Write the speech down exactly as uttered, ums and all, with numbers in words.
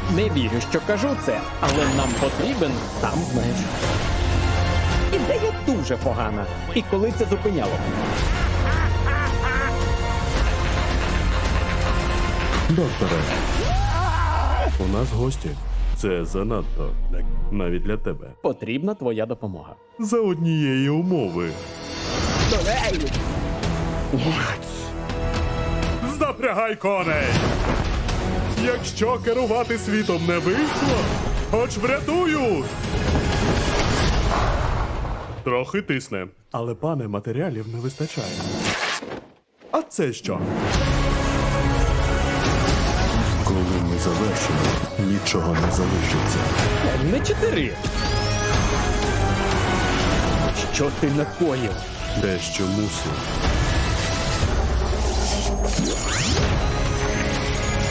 Не вірю, що кажу це, але нам потрібен, сам знаєш. Ідея дуже погана. І коли це зупиняло? Докторе, у нас гості. Це занадто, навіть для тебе. Потрібна твоя допомога. За однієї умови. Запрягай коней! Якщо керувати світом не вийшло, хоч врятую! Трохи тисне, але, пане, матеріалів не вистачає. А це що? Коли ми завершимо, нічого не залишиться. Не чотири. Що ти накоїв? Дещо мусив.